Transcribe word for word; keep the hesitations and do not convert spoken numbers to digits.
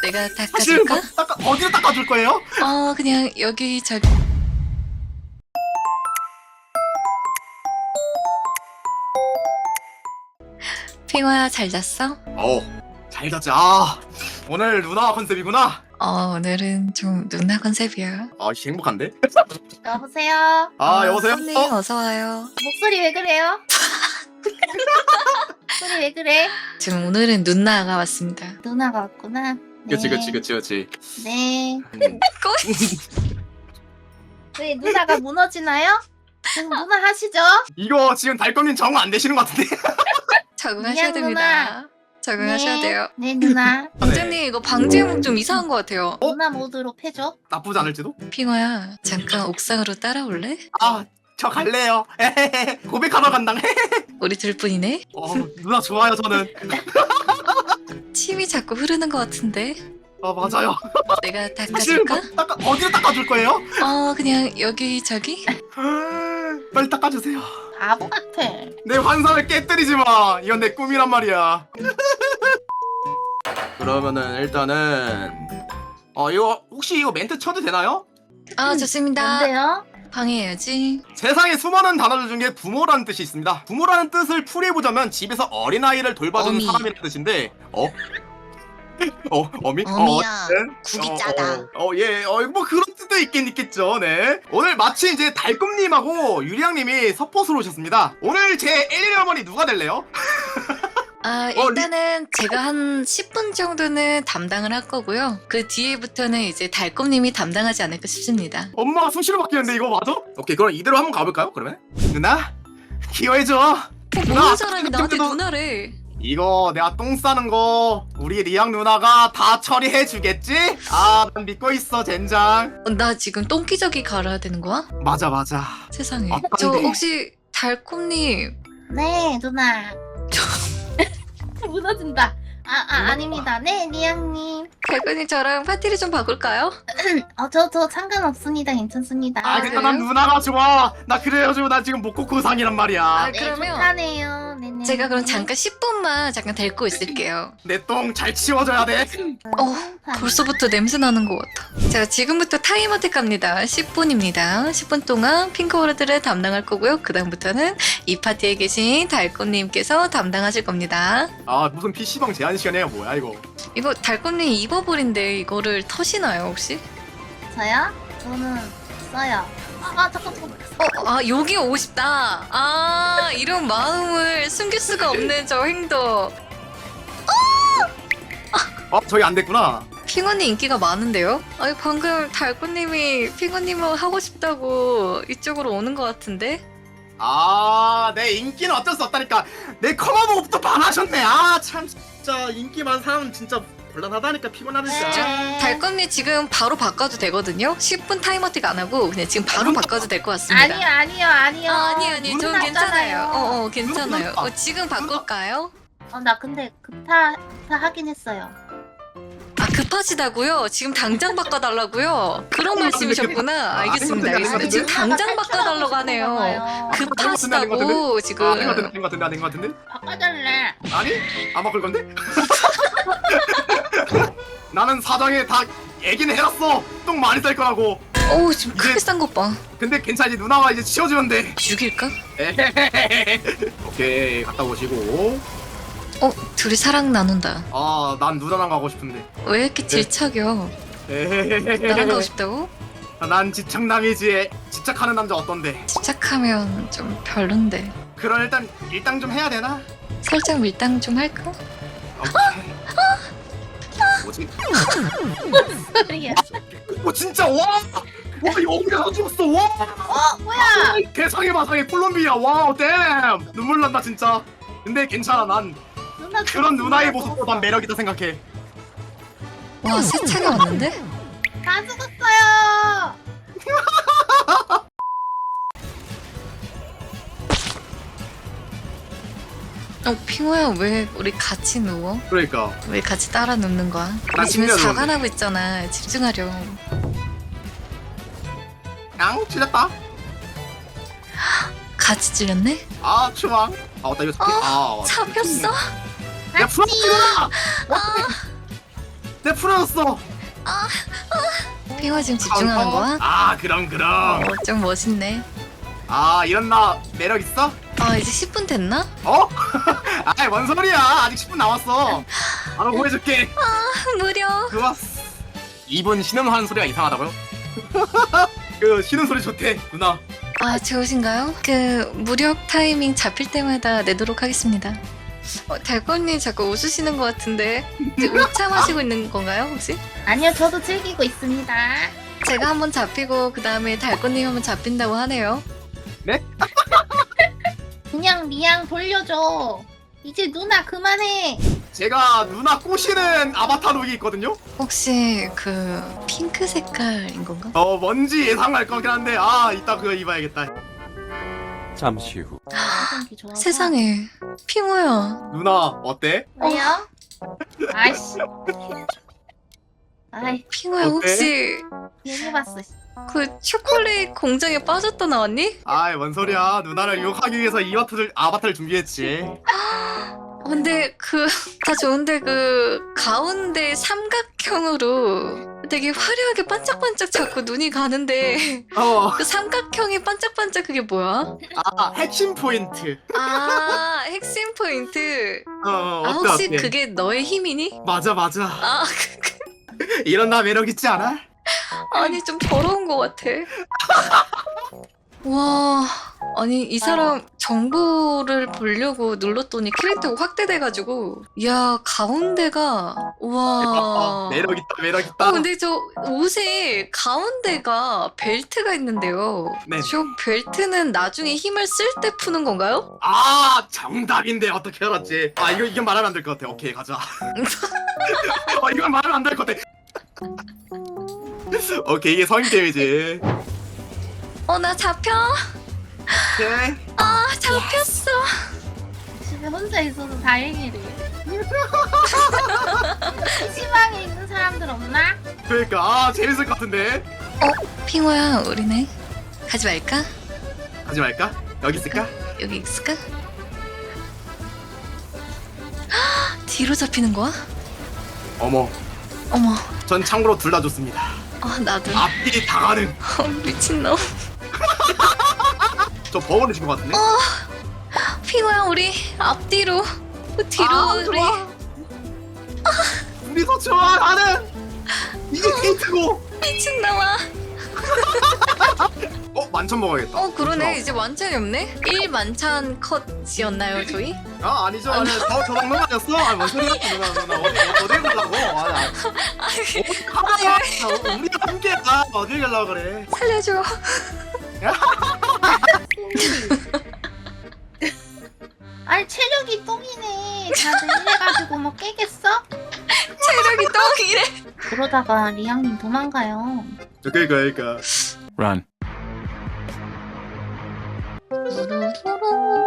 내가 사실 닦아줄까? 뭐 닦아, 어디로 닦아줄 거예요? 어 그냥 여기 저기. 핑화야 잘 잤어? 어, 잘 잤지. 아, 오늘 누나 컨셉이구나. 어 오늘은 좀 누나 컨셉이야. 아, 씨, 행복한데? 여보세요? 아, 어, 여보세요? 손님 어? 어서 와요. 목소리 왜 그래요? 목소리 왜 그래? 지금 오늘은 누나가 왔습니다. 누나가 왔구나. 그치, 네. 그치, 그치, 그치. 네. 음. 왜 누나가 무너지나요? 계속 누나 하시죠? 이거 지금 달검님 정화 안 되시는 것 같은데? 적응하셔야 미안, 됩니다. 적응하셔야 네. 돼요. 네 누나. 원장님 이거 방제목 좀 이상한 것 같아요. 어? 누나 모드로 패줘. 나쁘지 않을지도? 핑화야 잠깐 옥상으로 따라올래? 아, 저 갈래요. 에헤헤. 고백하러 간당. 우리 둘뿐이네. 어, 누나 좋아요, 저는. 침이 자꾸 흐르는 것 같은데. 아, 맞아요. 내가 사실 뭐 닦아줄까? 닦아, 어디로 닦아줄 거예요? 어 그냥 여기 저기. 빨리 닦아주세요. 바보 같아. 내 환상을 깨뜨리지 마. 이건 내 꿈이란 말이야. 그러면은 일단은 어 이거 혹시 이거 멘트 쳐도 되나요? 아 좋습니다. 뭔데요? 방해해야지. 세상에 수많은 단어들 중에 부모라는 뜻이 있습니다. 부모라는 뜻을 풀이해보자면 집에서 어린아이를 돌봐주는 어미. 사람이라는 뜻인데 어? 어? 어미? 어미야, 어쨌든, 국이 어, 짜다. 어, 어, 예, 어, 뭐 그런 뜻도 있긴 있겠죠, 네. 오늘 마침 이제 달꿈님하고 유리양님이 서포트로 오셨습니다. 오늘 제 일일 어머니 누가 될래요? 아 어, 일단은 제가 한 십 분 정도는 담당을 할 거고요. 그 뒤에부터는 이제 달콤님이 담당하지 않을까 싶습니다. 엄마가 수시로 바뀌는데 이거 맞아? 오케이, 그럼 이대로 한번 가볼까요, 그러면? 누나? 기여해줘. 모르는 사람이 나한테 그래도- 누나래. 이거 내가 똥 싸는 거 우리 리양 누나가 다 처리해 주겠지? 아, 난 믿고 있어, 젠장. 어, 나 지금 똥기저귀 갈아야 되는 거야? 맞아, 맞아. 세상에. 아, 저 안 돼. 혹시 달콤님 네 누나. 무너진다. 아, 아 아닙니다. 네 리양님. 달콤님 저랑 파티를 좀 바꿀까요? 어저 저 상관없습니다. 괜찮습니다. 아, 근데 난 누나가 좋아. 나 그래가지고 나 지금 목코코상이란 말이야. 아, 네, 그러면 좋다네요. 네네. 제가 그럼 잠깐 십 분만 잠깐 데리고 있을게요. 내 똥 잘 치워줘야 돼. 어, 벌써부터 냄새 나는 것 같아. 자, 지금부터 타이머택 갑니다. 십 분입니다. 십 분 동안 핑크워드를 담당할 거고요. 그 다음부터는 이 파티에 계신 달꽃님께서 담당하실 겁니다. 아, 무슨 피시방 제한 시간이야, 뭐야 이거. 이거 달꽃님 입어버린데 이거를 터시나요 혹시? 저요? 저는 써요. 아 잠깐 잠깐. 어, 아 여기 오고 싶다. 아 이런 마음을 숨길 수가 없는 저 행동. 어, 저기 안 됐구나. 핑언니 인기가 많은데요? 아니 방금 달꽃님이 핑언님을 하고 싶다고 이쪽으로 오는 것 같은데? 아, 내 인기는 어쩔 수 없다니까. 내 커버보고부터 반하셨네. 아, 참 진짜 인기 많은 사람은 진짜 곤란하다니까, 피곤하니까. 네. 달꽃님 지금 바로 바꿔도 되거든요? 십 분 타이머택 안 하고 그냥 지금 바로 바꿔도 될 것 같습니다. 아니요 아니요 아니요. 아, 아니 아니 눈 저는 괜찮아요. 났잖아요. 어, 어 괜찮아요. 눈 났다. 어, 지금 바꿀까요? 어, 나 근데 급타 급타 하긴 했어요. 아 급하시다고요? 지금 당장 바꿔달라고요? 그런 말씀이셨구나. 알겠습니다. 알겠습니다. 지금 당장 바꿔달라고 하네요. 급하시다고 지금. 아, 된것 같은데, 된것 같은데, 된것 같은데? 바꿔달래. 아니? 안 바꿀 건데? 나는 사장에 다 얘기는 해놨어. 똥 많이 쌀 거라고. 어우 지금 크게 싼 것 봐. 근데 괜찮지, 누나가 이제 치워주면 돼. 죽일까? 에헤헤헤. 오케이, 갔다 오시고. 어 둘이 사랑 나눈다. 아, 난 누나랑 가고 싶은데. 왜 이렇게 질척여? 나랑 가고 에헤헤헤. 싶다고? 난 집착남이지. 집착하는 남자 어떤데? 집착하면 좀 별론데. 그럼 일단 일당 좀 해야 되나? 살짝 밀당 좀 할까? 오케이. 뭐지? 소리야. 어, 진짜 와! 와, 여기가 가져왔어. 와! 어 뭐야? 개상해 마상해 콜롬비아. 와우, 댐! 눈물 난다 진짜. 근데 괜찮아. 난 누나 그런 누나의 모습도 난 매력이다 생각해. 와 세차가 왔는데? 다 죽었어요. 어 핑호야 왜 우리 같이 누워? 그러니까. 왜 같이 따라 눕는 거야? 난 우리 지금 침대에 사관하고 있잖아. 집중하렴. 양 찔렸다. 같이 찔렸네? 아, 추방. 아, 맞다. 이거 잡히. 아, 맞다. 잡혔어? 야, 풀어. 내 풀어졌어. 핑화 지금 집중하는 거야? 아 그럼 그럼. 어, 좀 멋있네. 아 이런 나 매력 있어? 아, 이제 십 분 됐나? 어? 아이 뭔 소리야? 아직 십 분 남았어. 바로 보여줄게. 무려. 좋았어. 이분 신음하는 소리가 이상하다고요? 그 쉬는 소리 좋대 누나. 아, 좋으신가요? 그 무력 타이밍 잡힐 때마다 내도록 하겠습니다. 어, 달건님 자꾸 웃으시는 것 같은데 이제 오차 마시고 있는 건가요 혹시? 아니요, 저도 즐기고 있습니다. 제가 한번 잡히고 그 다음에 달건님 한번 잡힌다고 하네요. 그냥 리양 돌려줘. 이제 누나 그만해. 제가 누나 꼬시는 아바타 룩이 있거든요. 혹시 그 핑크 색깔인 건가? 어 뭔지 예상할 거긴 한데 아 이따 그거 입어야겠다. 잠시 후. 화장기 좋아서. 세상에 핑호야. 누나 어때? 왜요? 아이씨. 아이, 핑호야 어때? 혹시 괜히 봤어. 씨. 그 초콜릿 공장에 빠졌다 나왔니? 아이 뭔 소리야. 누나를 유혹하기 위해서 이 아바타를, 아바타를 준비했지. 근데 그 다 좋은데 그 가운데 삼각형으로 되게 화려하게 반짝반짝 자꾸 눈이 가는데 어. 그 삼각형이 반짝반짝 그게 뭐야? 아 핵심 포인트. 아 핵심 포인트. 어, 어 아 어때 혹시 어때? 그게 너의 힘이니? 맞아 맞아. 아 이런 나 매력 있지 않아? 아니 좀 더러운 것 같아. 와 아니 이 사람 정보를 보려고 눌렀더니 캐릭터가 확대돼가지고 야 가운데가 와 매력 있다 매력 있다. 어 근데 저 옷에 가운데가 벨트가 있는데요. 네. 저 벨트는 나중에 힘을 쓸 때 푸는 건가요? 아 정답인데 어떻게 알았지? 아 이거 이건 말하면 안 될 것 같아. 오케이 가자. 어 이건 말하면 안 될 것 같아. 오케이 이게 성인 게임이지. 어 나 잡혀? 오케이. 아 잡혔어. 집에 혼자 있어서 다행이래. 피시방에 있는 사람들 없나? 그러니까 아 재밌을 것 같은데. 핑호야 우리네 가지 말까? 하지 말까? 여기 있을까? 여기 있을까? 헉, 뒤로 잡히는 거야? 어머 어머 전 참고로 둘 다 좋습니다. 아 나도 앞뒤 다 가능. 어, 미친놈. 저 버거를 준것 같은데? 핑호야 우리 앞뒤로 뒤로 아, 우리 좋아. 우리도 좋아 나는 이게 데이트고. 미친놈아. 어 만천 먹어야겠다. 어 그러네 이제 만찬이 없네. 일 만찬 컷이었나요 저희? 아 아니죠 아니 저저 방금 아니었어. 아뭔 소리야 누나 누나 어디 어디 가려고? 아니 아니. 어디 가봐. 우리가 함께 가 어디 가려고 그래? 살려줘. 아니 체력이 똥이네. 다들 이래가지고 뭐 깨겠어? 체력이 똥이래. 그러다가 리양님 도망가요. 그러니까 그러니까. Run. 루루루루.